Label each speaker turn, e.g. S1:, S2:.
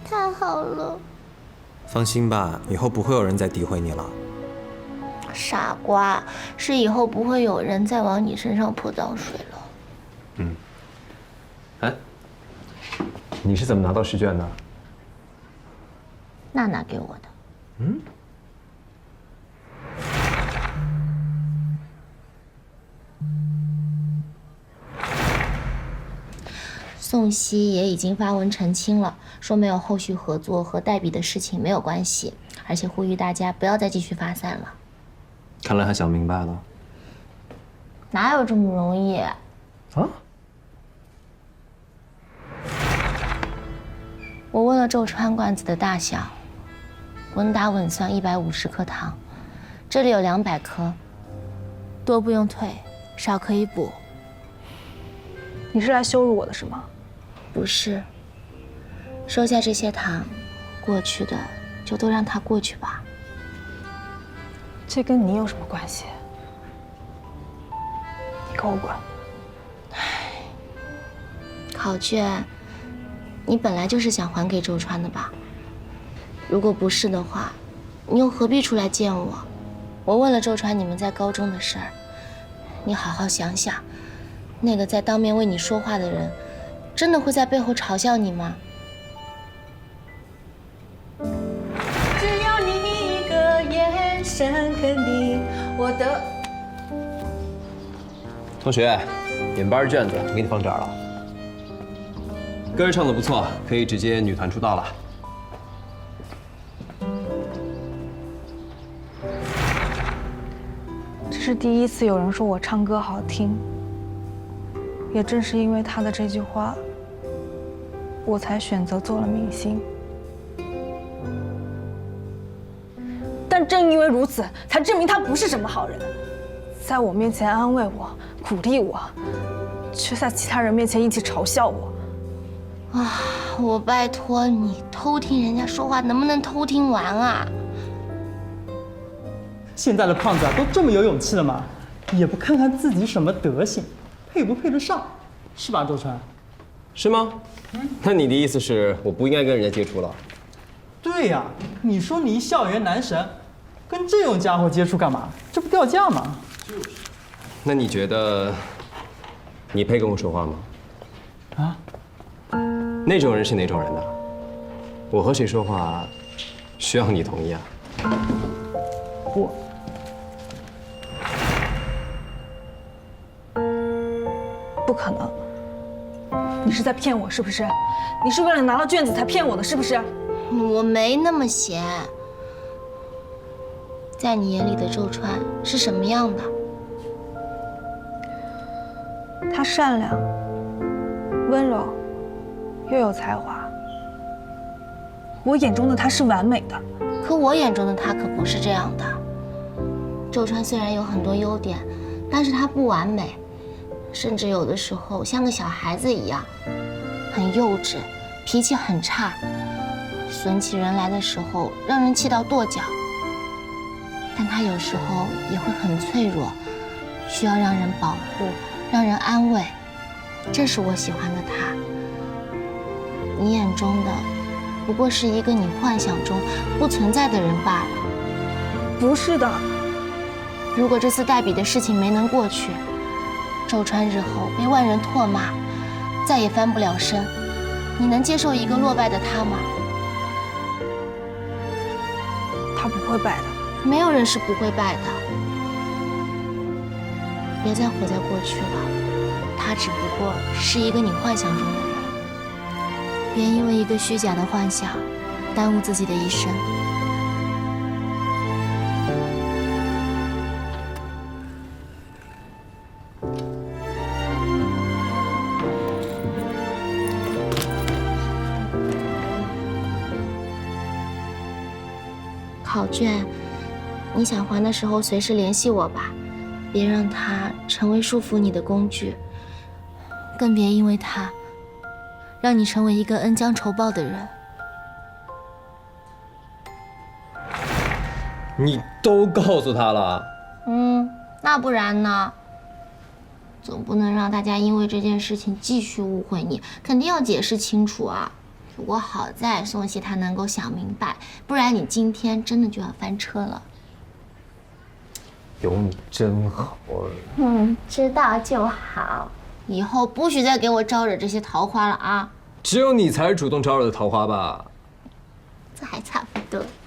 S1: 太好了。
S2: 放心吧，以后不会有人再诋毁你了。
S1: 傻瓜，是以后不会有人再往你身上泼脏水了。
S3: 嗯。哎，你是怎么拿到试卷的？
S1: 娜娜给我的。
S3: 嗯。
S1: 宋希也已经发文澄清了，说没有后续合作和代笔的事情没有关系，而且呼吁大家不要再继续发散了。
S3: 看来他想明白了。
S1: 哪有这么容易？啊？我问了周川罐子的大小，稳打稳算150克糖，这里有200克，多不用退，少可以补。
S4: 你是来羞辱我的是吗？
S1: 不是，收下这些糖，过去的就都让它过去吧。
S4: 这跟你有什么关系？你给我滚！
S1: 考卷，你本来就是想还给周川的吧？如果不是的话，你又何必出来见我？我问了周川你们在高中的事儿，你好好想想，那个在当面为你说话的人，真的会在背后嘲笑你吗？
S5: 只要你一个眼神肯定我的。
S3: 同学，眼班卷子我给你放这儿了。歌儿唱得不错，可以直接女团出道了。
S4: 这是第一次有人说我唱歌好听，也正是因为他的这句话，我才选择做了明星。但正因为如此，才证明他不是什么好人，在我面前安慰我、鼓励我，却在其他人面前一起嘲笑我。
S1: 啊，我拜托你，偷听人家说话能不能偷听完啊？
S6: 现在的胖子啊，都这么有勇气了吗？也不看看自己什么德行，配不配得上，是吧，周川？
S3: 是吗？那你的意思是我不应该跟人家接触了？
S6: 对呀，你说你一校园男神，跟这种家伙接触干嘛？这不掉价吗？
S3: 那你觉得你配跟我说话吗？
S6: 啊？
S3: 那种人是哪种人呢？我和谁说话需要你同意啊？
S4: 不可能！你是在骗我是不是？你是为了拿到卷子才骗我的是不是？
S1: 我没那么闲。在你眼里的周川是什么样的？
S4: 他善良、温柔，又有才华。我眼中的他是完美的，
S1: 可我眼中的他可不是这样的。周川虽然有很多优点，但是他不完美，甚至有的时候像个小孩子一样，很幼稚，脾气很差，损起人来的时候让人气到跺脚。但他有时候也会很脆弱，需要让人保护，让人安慰，这是我喜欢的他。你眼中的不过是一个你幻想中不存在的人罢了。
S4: 不是的。
S1: 如果这次代笔的事情没能过去，周川日后被万人唾骂，再也翻不了身，你能接受一个落败的他吗？
S4: 他不会败的。
S1: 没有人是不会败的。别再活在过去了，他只不过是一个你幻想中的人。别因为一个虚假的幻想，耽误自己的一生。考卷，你想还的时候随时联系我吧，别让它成为束缚你的工具，更别因为它让你成为一个恩将仇报的人。
S3: 你都告诉他了？
S1: 那不然呢？总不能让大家因为这件事情继续误会你，肯定要解释清楚啊。 不过好在宋茜她能够想明白，不然你今天真的就要翻车了。
S3: 有你真好。
S1: 知道就好，以后不许再给我招惹这些桃花了啊！
S3: 只有你才是主动招惹的桃花吧？
S1: 这还差不多。